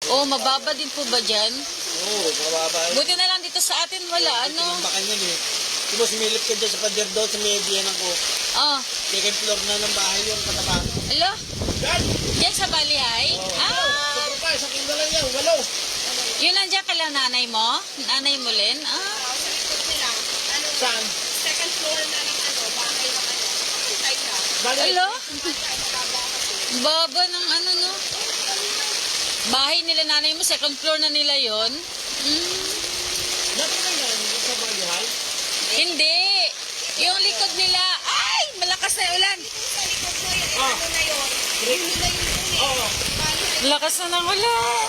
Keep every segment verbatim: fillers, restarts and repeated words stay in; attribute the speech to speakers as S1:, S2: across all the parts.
S1: Oh, mababa din po ba dyan?
S2: Oo, oh, mababa.
S1: Buti na lang dito sa atin wala, ano?
S2: Tinambakan yun eh. Di ba sumilip ka dyan sa pader doon sa median ako.
S1: Oh,
S2: Second floor na ng bahay yun, kataba.
S1: alo?
S2: Yan!
S1: Yan sa Balihay?
S2: Oo.
S1: Ah,
S2: Sobrang pa, isang kilo lang yan, walo.
S1: yun nandiyan kala nanay mo? Nanay mo, Len? Ah,
S2: Saan?
S3: Second floor na ng ano, bahay na ano. Ay na.
S2: Bali,
S1: alo? Baba ng ano, no? Bahay nila nanay mo, second floor na nila yon. Hmm.
S2: dati na yan, sa Balihay.
S1: Hindi. Yung likod nila. Ay, malakas na ulan.
S3: Sa likod mo yun,
S2: Ah.
S3: ano na yun? Yun na yun eh.
S2: Oo.
S3: Bahay.
S1: Lakas na ng ulan.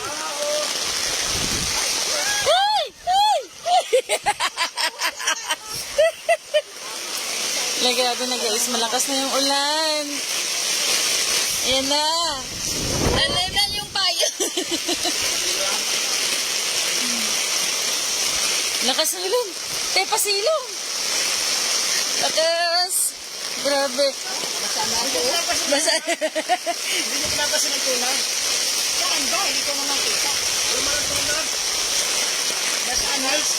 S1: Ay! Ay! Ay, grabe na guys. Malakas na yung ulan. Ayan na. Nalalan yung payo. Lakas ng ulan. Te, pasilong. Lakas. Grabe. Basa.
S2: Hindi nyo pinapasin ng tuna.
S3: Saan ba? Hindi ko naman kita.
S2: Ano marang tuna? Nasaan, Hals?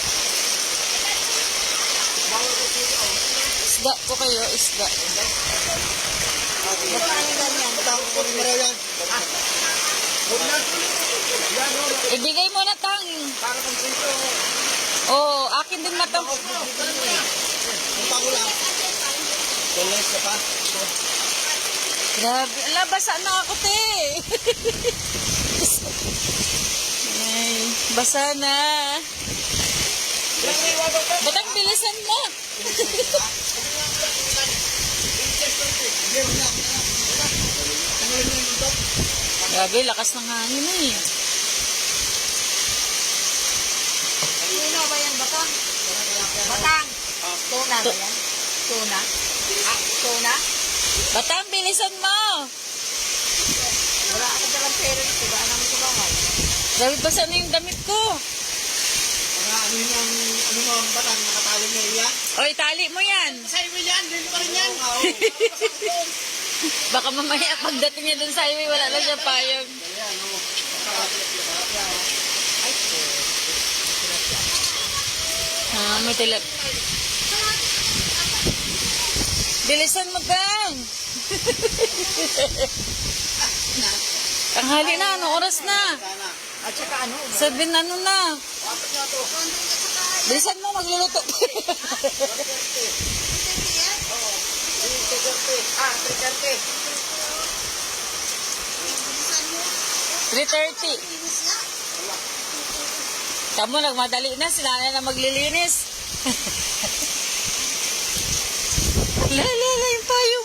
S2: Bawal ko sila, oh.
S1: Isda po kayo, isda.
S2: Magkano ganyan? Matawag ko rin maraw yan. Ah. Huwag na. Yan, oh.
S1: Ibigay mo na tang.
S2: Para kang sentro.
S1: Oo, oh, akin din matang.
S2: Ang pango lang. Tulis ka pa.
S1: Grabe. Ala, basa na ako, te. Ay, basa na.
S2: Ilang may wabang ka?
S1: Ba't ang bilisan mo? Grabe, lakas ng hangin na eh.
S3: Tuna ba yan, Batang? Batang. Tuna ba yan? Tuna? Ah, tuna?
S1: Batang, bilisan mo.
S3: Wala ka dalang pera nito. Ba namin tulungan?
S1: Grabe, basa na yung damit ko.
S2: Mga ano yun ang, ano mo, ang batang nakatali na iya?
S1: O, itali mo yan.
S2: Sa highway yan, dito pa rin yan.
S1: Baka mamaya pagdating niya dun sa highway, wala na siya payag.
S2: Ayan, oh.
S1: Ah, may tilap. Bilisan mo, Tang. Tanghali na, ano oras na?
S2: Sana.
S3: At saka ano?
S1: Sabi na ano na.
S2: Apat na to.
S1: Bilisan mo, magluluto.
S2: three thirty. Ah, three thirty.
S1: three thirty. Kamu, nagmadali na. Sila na na maglilinis. La, la, la, yung payong.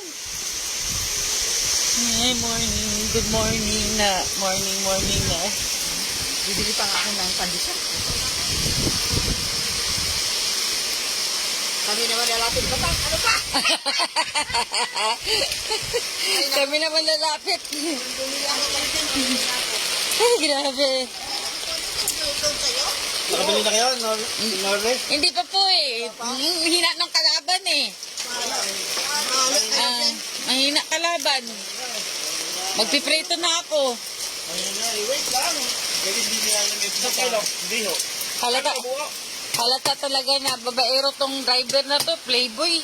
S1: Hey, morning. Good morning na. Morning, morning na.
S3: Bibili pa nga ako ng pandesal. Kami naman lalapit, Batang. Ano pa?
S1: Kami naman lalapit.
S3: Bumili ako ng pandesal.
S1: Ay, grabe.
S2: Nakabili na kayo, Nor Norway?
S1: Hindi pa po eh. Hmm, Hina ng kalaban eh. Ah, mahina kalaban. Magpiprito na ako.
S2: Ayun na, eh, wait lang. Pwede hindi nila namin sa kilo. Hindi ho.
S1: Halata, halata talaga na babaero tong driver na to, playboy.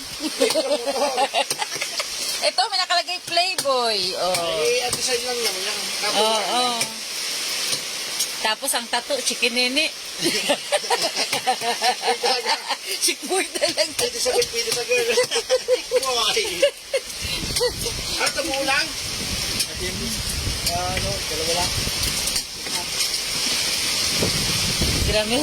S1: Ito, may nakalagay playboy. Oh.
S2: Eh, at design lang naman yan.
S1: Oo, oh, oh. Tapos ang tattoo, chikinini. Chikboy talaga.
S2: Pwede sa girl, pwede sa girl. Kumawari. At umuulang? At yun, ano, dalawa lang.
S1: Grabe.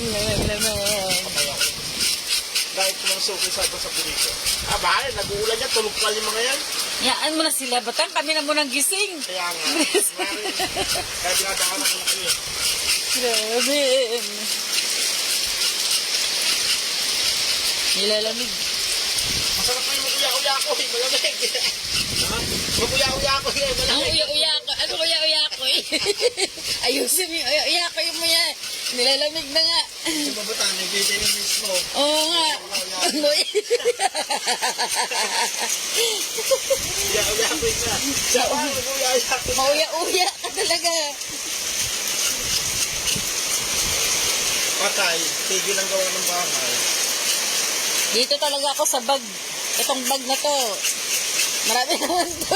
S2: Kahit kung mga suki sa sa pinito. Ah, bahal, nag-uulan yan, tulog pa yung mga yan.
S1: Yaan mo na sila, Batang. Kami na mo nang gising.
S2: Kaya nga. Kaya dinadaan ako na kayo.
S1: Grabe. Nilalamig.
S2: Masarap pa yung makuya-uya ko, eh, malamig. Ha? Makuya-uya ko, eh,
S1: Ang
S2: malamig.
S1: uya-uya ko. Ano uya-uya ko eh? Ayusin mo yung uya-uya ko yung mga. Nilalamig na nga.
S2: Yung babata, nagbibigay yung mismo.
S1: Oo nga. Uy.
S2: Uya-uya ko yun na. Sa mga makuya-uya ko.
S1: Mauya-uya ka talaga.
S2: bahay, tigil ang gawa ng bahay.
S1: Dito talaga ako sa bag. Itong bag na to. Marami naman to.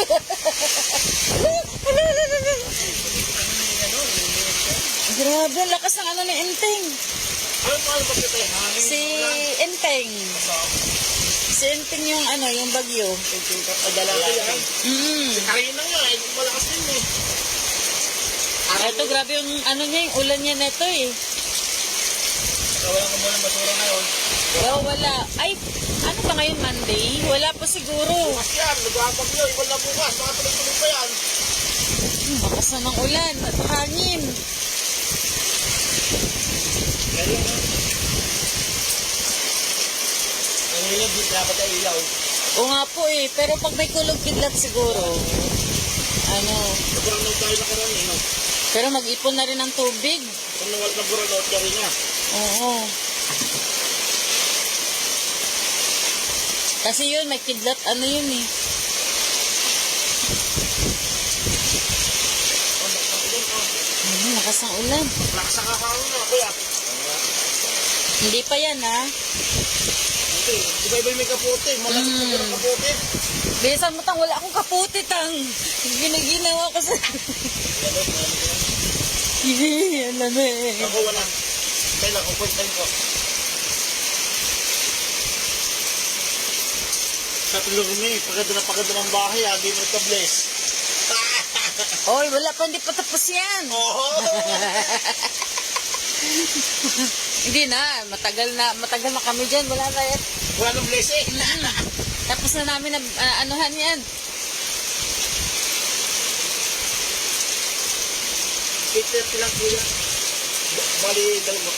S1: Grabe, ang lakas ng ano ni Enteng.
S2: Ano pa ano ba kita eh? Hangin
S1: Si
S2: lang.
S1: Enteng. Si Enteng yung ano, yung bagyo.
S2: Adala ko yan.
S1: Mm.
S2: Si Karina nga, eh, malakas din eh.
S1: Ito, grabe yung ano niya, yung ulan niya neto eh.
S2: Kawalan ko muna ng basura ngayon.
S1: Oh, wala. Ay, ano ba ngayon, Monday? Wala pa siguro.
S2: Bukas yan, nag-aabag yun. Iwan na bukas, baka tuloy-tuloy pa yan.
S1: Hmm, bakas na ng ulan at hangin.
S2: Kaya yun, ah. Nangilag, di dapat ay ilaw.
S1: O nga po eh, pero pag may kulog kidlat siguro, ano,
S2: Sobrang nang tayo nakaraan eh, no?
S1: pero mag-ipon na rin ng tubig.
S2: Kung nawal na buranout ka rin nga.
S1: Oo. Kasi yun, may kidlat, ano yun eh.
S2: Oh, nakakagod, oh.
S1: Ano, lakas ng ulan.
S2: Lakas ang kakahon na, kuya.
S1: Hindi pa yan ha.
S2: Okay, di ba iba yung may kapote? Malakas
S1: Mm.
S2: na yung kapote.
S1: Bilisan mo tang, wala akong kaputi tang. Ginaginawa ko sa... Alam eh.
S2: Ako wala. Kailan, kung first time ko. Sa tulog mo eh, pagkado na pagkado ng bahay, agi mo ito bless.
S1: Oy, wala pa, hindi pa tapos yan.
S2: Oo!
S1: Hindi na, matagal na, matagal na kami dyan. Wala na yan.
S2: Wala nang bless eh.
S1: Tapos na namin na ah, anuhan yan.
S2: eight thirty lang kuya. Bali, dalawa.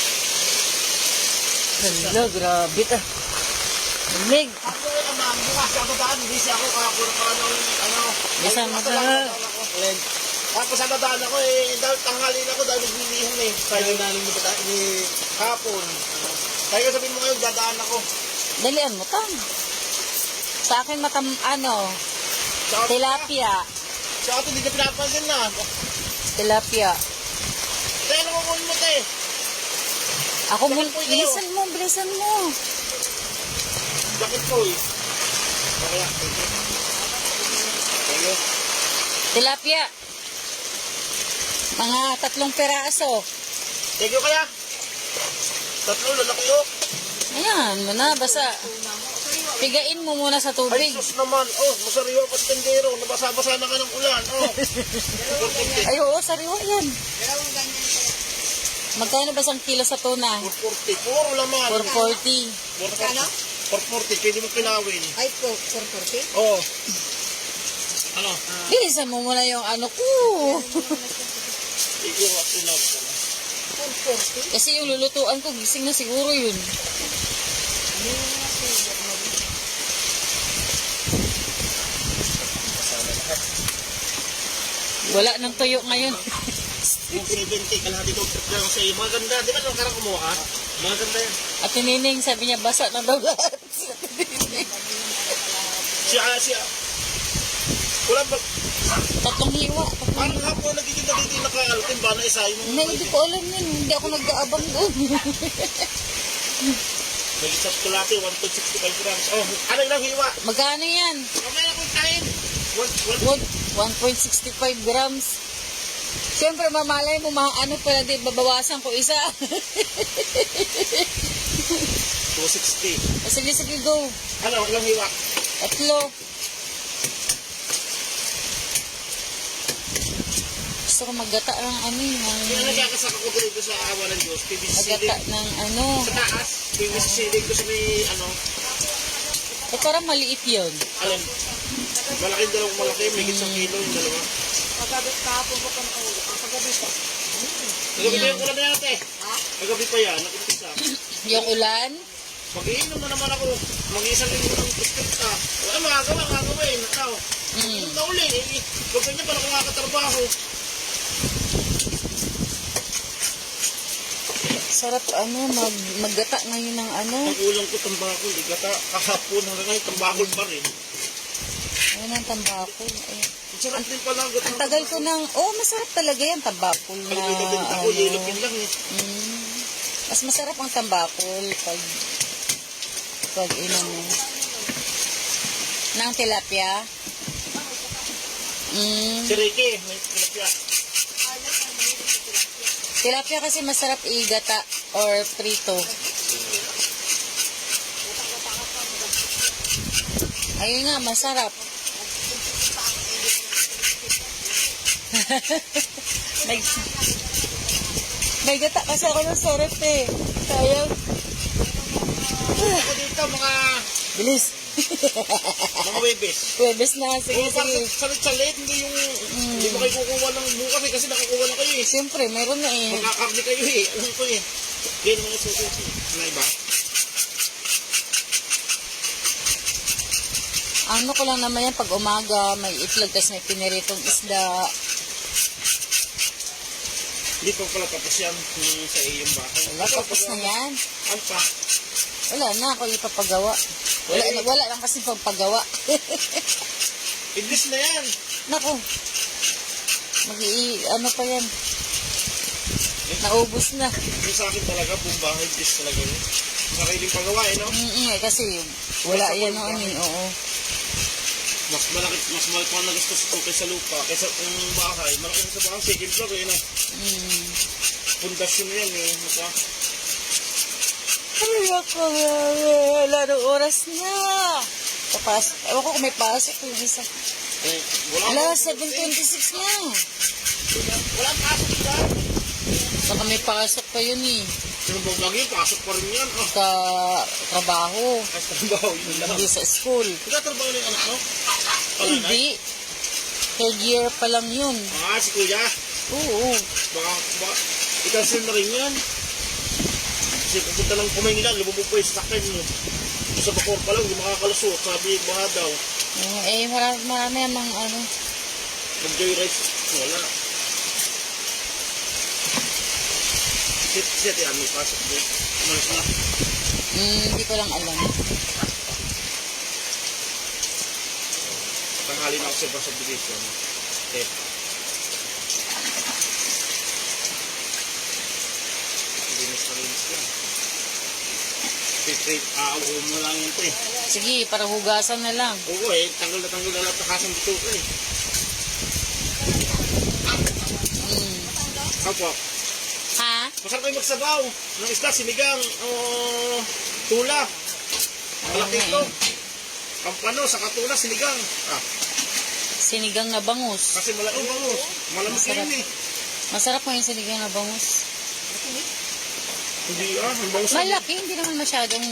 S1: Hello, grabe ka. Lamig.
S2: Ako yun ang mga bukas, ako daan, busy ako, kaya ako na parang ano,
S1: Bisa mo
S2: ako
S1: na.
S2: daan ako. Tapos sa dadaan ako eh, dahil tanghali na ako dahil nagbibihon eh. Kaya nanin mo ba ni hapon. Kaya sabihin mo ngayon, dadaan ako.
S1: Dalian mo tang. Sa akin matam, ano,
S2: Sa atin-
S1: tilapia.
S2: Sa atin, hindi na pinapansin na.
S1: Tilapia.
S2: Kaya nakukunin mo te.
S1: Ako mo,
S2: Bakit po yun?
S1: bilisan mo, bilisan mo.
S2: Bakit po eh? Kaya, thank you. Thank you.
S1: Tilapia. Mga tatlong peraso.
S2: Thank you kaya. Tatlo, lalaki yun.
S1: Ayan, mo na, basta. Pigain mo muna sa
S2: Ay,
S1: tubig.
S2: sus naman. Oh, masariwa pa tendero. Nabasa-basa na ka ng ulan. Oh.
S1: Ay, oo, sariwa yan. Magkano ba isang kilo sa tuna?
S2: four forty. Puro laman.
S1: four forty.
S2: four forty. four forty. Pwede mo pinawin.
S3: Ay, po, four forty?
S2: Oh. Ano?
S1: Bilisan mo muna yung ano ko.
S2: Iiwak pinawin ka na.
S3: four forty?
S1: Kasi yung lulutuan ko, gising na siguro yun. Wala nang tuyo ngayon.
S2: Yung seventy. Kalahati ko trip lang sa iyo. Maganda. Di ba nung karang kumuha ka? Maganda yan.
S1: At tinining, sabi niya, basa na daw lahat.
S2: Siya, siya. Wala ba?
S1: Tatlong hiwa. Tatlong
S2: Parang
S1: hiwa.
S2: hapon nagkikita dito yung nakaalutin ba na isa yung
S1: Hindi, hindi ko alam yun. Hindi ako nag-aabang doon.
S2: may isang kulati, one point six five grams. Oh, ano ilang hiwa?
S1: Magkano yan?
S2: Mamaya kong kain. One, one,
S1: one point six five grams. Siyempre, mamalay mo, mga ano pala, di, babawasan ko isa.
S2: two sixty.
S1: Sige, sige, go.
S2: Ano, ilang hiwa?
S1: Tatlo. Gusto ko maggata ng ano
S2: Kaya
S1: yung
S2: nagkakasaka ko dito sa awa ng Diyos. P V C
S1: maggata
S2: ceiling.
S1: ng ano.
S2: Sa taas, P V C ceiling ko sa may, ano,
S1: Eh, parang maliit yun.
S2: alin, malaking dalawang malaki, may isang kilo yung dalawa.
S3: Paggabi, kahapon ko pa nakaulo. Paggabi pa.
S2: Nagabi pa yung ulan na yan, ate.
S3: Ha?
S2: Nagabi pa yan, nakumpisa.
S1: Yung ulan.
S2: Mag-iinom na naman ako. Mag-iisang linggo ng biscuit ka. Wala, magagawa, magagawa eh. Nakaw.
S1: Mm.
S2: Yung nauli, eh. Huwag ganyan pala kung makakatrabaho.
S1: Sarap ano, mag, maggata ngayon ng ano.
S2: Pag-ulang ko tambakol, eh. Gata, kahapon hanggang ngayon, tambakol pa rin.
S1: Ayun ang tambakol. Ayun.
S2: Ang sarap din pala. Gata,
S1: Ang tagal ko ng, oh, masarap talaga yan, tambakol na,
S2: Pag-ibig ako,
S1: ano.
S2: yellow pin lang eh.
S1: Mm. Mas masarap ang tambakol pag pag inom mo. Nang tilapia. Mm.
S2: Si Ricky, may tilapia.
S1: Tilapia kasi masarap igata or prito. Ayun nga, masarap. may, may gata kasi ako ng sarap eh. Sayang.
S2: Ako dito, mga
S1: Bilis.
S2: mga webes.
S1: Webes na. Sige,
S2: Oo, parang
S1: sige.
S2: salit-salit, hindi yung, hindi mo kayo kukuha ng bukas eh, kasi nakukuha na kayo eh.
S1: Siyempre, meron na eh.
S2: Magkakarni kayo eh, alam ko eh. Ganyan mga susunod na iba.
S1: Ano ko lang naman yan, pag umaga, may itlog, tas may piniritong isda.
S2: Hindi pa pala tapos yan yung sa iyong bahay.
S1: Wala, tapos na yan.
S2: Ano pa?
S1: Wala na, ako ipapagawa. Wala, na, wala lang kasi pagpagawa.
S2: English na yan.
S1: Naku. mag ano pa yan. Naubos na.
S2: Yung sa akin talaga, buong bahay, English talaga yun. Sariling pagawa eh, no?
S1: Mm-mm, eh, kasi wala yan noon eh, oo.
S2: Mas malaki, mas malaki pa na gusto ko kaysa lupa, kaysa yung bahay. Malaki sa bahay, second floor eh, no?
S1: Mm.
S2: Pundasyon yan eh, mukha.
S1: Ay, ako, wala nung oras na. Tapos, ewan ko kung may pasok yung isa.
S2: Eh, wala.
S1: Ala, seven twenty-six na.
S2: Wala pasok dyan.
S1: Baka may pasok pa yun eh.
S2: Sino ba lagi, pasok pa rin yan. Ah,
S1: Sa trabaho.
S2: ay, sa trabaho, yun lang.
S1: Hindi sa school.
S2: Nagtatrabaho na yung anak mo?
S1: Hindi. Third year pa lang yun.
S2: Ah, si kuya.
S1: Oo.
S2: Baka, baka, i-cancel na rin yan. Kasi pupunta lang kumain nila, lumubog pa yung sakyan mo. Sa bakor pa lang, hindi makakalusot. Sabi, baka daw.
S1: Eh, marami, marami namang ano.
S2: Mag-joyride. Wala. Sit, sit, yan, may pasok doon. Umalis na.
S1: Hmm, hindi ko lang alam.
S2: Tanghali na ako sa subdivision. Eh. Linis na linis yan. Straight, aaw mo lang yun ito eh.
S1: Sige, para hugasan na lang.
S2: Oo eh, tanggal na tanggal na lahat na kasang dito ko eh.
S1: Hmm.
S2: Opo.
S1: Ha?
S2: Masarap kayo magsabaw ng isda, sinigang, o tula. Malaki ito. Kampano, sa katula, sinigang. Ah,
S1: Sinigang na bangus.
S2: kasi malaki bango. Malamig
S1: Masarap.
S2: yun eh.
S1: Masarap mo yung sinigang na bangus.
S2: Hindi ah, ang bango sa
S1: Malaki, hindi naman masyadong...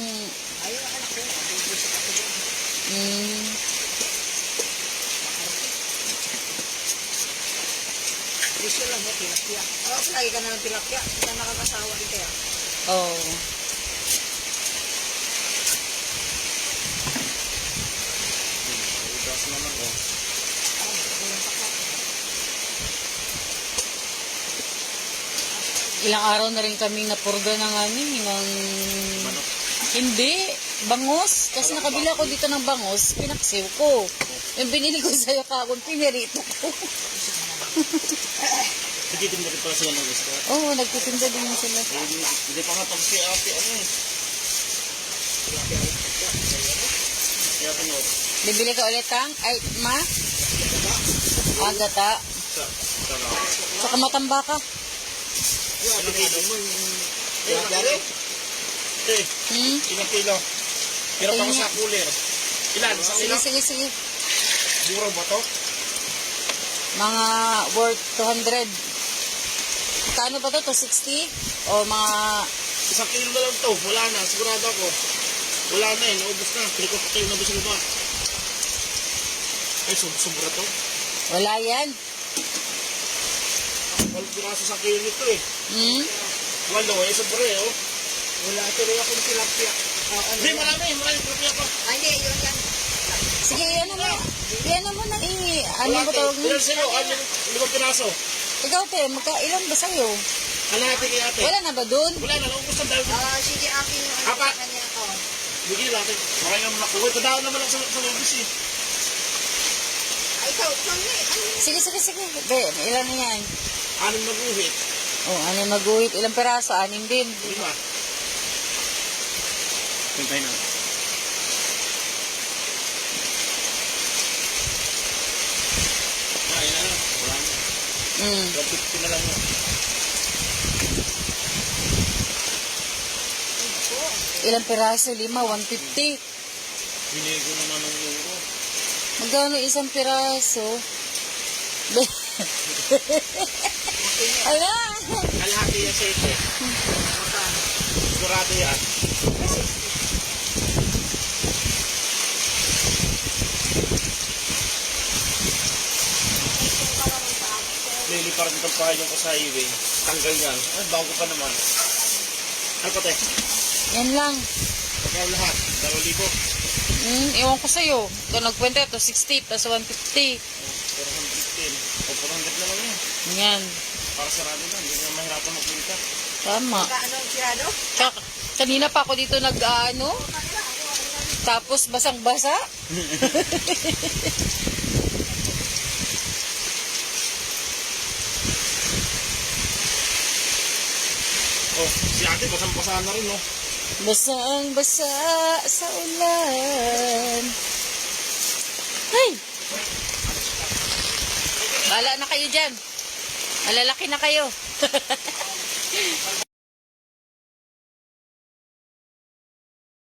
S1: Hmm.
S3: Gusto lang mo, tilapia. Oo, lagi ka na ng tilapia. Hindi ka nakakasawa rin kaya.
S1: Oh.
S2: Ugas naman oh.
S1: Ilang araw na rin kami napurga ng ano, ng...
S2: Manok.
S1: Hindi, bangus. Kasi nakabili ako dito ng bangus, pinaksiw ko. Yung binili ko sa'yo kagod, pinirito ko.
S2: Nagtitinda rin pala sila ng isda.
S1: Oo, oh, nagtitinda din sila.
S2: Eh, Hindi hindi pa nga pag si ate ano eh. Kaya tinod.
S1: Bibili ka ulit ang, ay, ma? Agata.
S2: Sa, sa lang.
S1: Saka matamba ka.
S2: Ilang kilo mo yung... Ilang kilo? Eh,
S1: Hmm?
S2: ilang kilo? Hirap ako sa cooler. Ilan? Sa
S1: Sige,
S2: ilang?
S1: sige, sige.
S2: Mura ba to?
S1: Mga worth two hundred. Kano ba to? two sixty? O mga...
S2: Isang kilo na lang to. Wala na. Sigurado ako. Wala na eh. Naubos na. Piliko pa kayo na gusto ba? Ay, sub- sobra to.
S1: Wala yan.
S2: Walang piraso sa kilo nito eh.
S1: Hmm?
S2: Walo eh. Sobra eh oh.
S3: Wala tuloy akong tilapia. Ah, ano
S2: Hindi,
S3: yan?
S2: marami. Marami tilapia pa.
S3: Ah, hindi, yun yan.
S1: Sige, yan mo. Yan mo na i... Ano
S2: Wala
S1: ba
S2: te.
S1: tawag mo?
S2: Ilan sa'yo? Ano? Limang piraso.
S1: Ikaw, te, magkailan ba sa'yo?
S2: Ano natin kay ate?
S1: Wala na ba dun?
S2: Wala na. Naubos na dahil.
S3: Ah, sige, akin yung ano
S2: Apat.
S3: sa kanya. Oh.
S2: Bigyan natin. Baka nga makuha. Tadaan naman lang sa, sa lobis eh.
S3: Ay, ikaw, ikaw na eh. Ano yun?
S1: Sige, sige, sige. Be, ilan na yan?
S2: Anong maguhit?
S1: O, ano yung maguhit? Ilang peraso? Anim din.
S2: Lima. Pintay na. Ay, na lang. Wala na.
S1: Mm.
S2: one fifty na lang yun.
S1: Ilang piraso? Lima, one fifty.
S2: Binigo naman ng euro.
S1: Magkano isang piraso? Ala!
S2: Kalahati yan sa ito. Sigurado yan. Lili parang itong pahayon ko sa highway. Tanggal yan. Ay, bago pa naman. Ano pa te?
S1: Yan lang.
S2: Pagkaw lahat. Dalawang libo.
S1: Hmm, iwan ko sa'yo. Ito nagkwenta ito, sixty plus one fifty.
S2: four hundred ten. O, four hundred na lang yan.
S1: Yan.
S2: Para sarado lang. Hindi na mahirapan magpunta.
S1: Tama.
S3: Kaano ang sirado?
S1: Tsaka, kanina pa ako dito nag-ano. Tapos basang-basa.
S2: Oh, si ate basang-basa na rin, no?
S1: Basang-basa sa ulan. Ay! Bala na kayo dyan. Malalaki na kayo.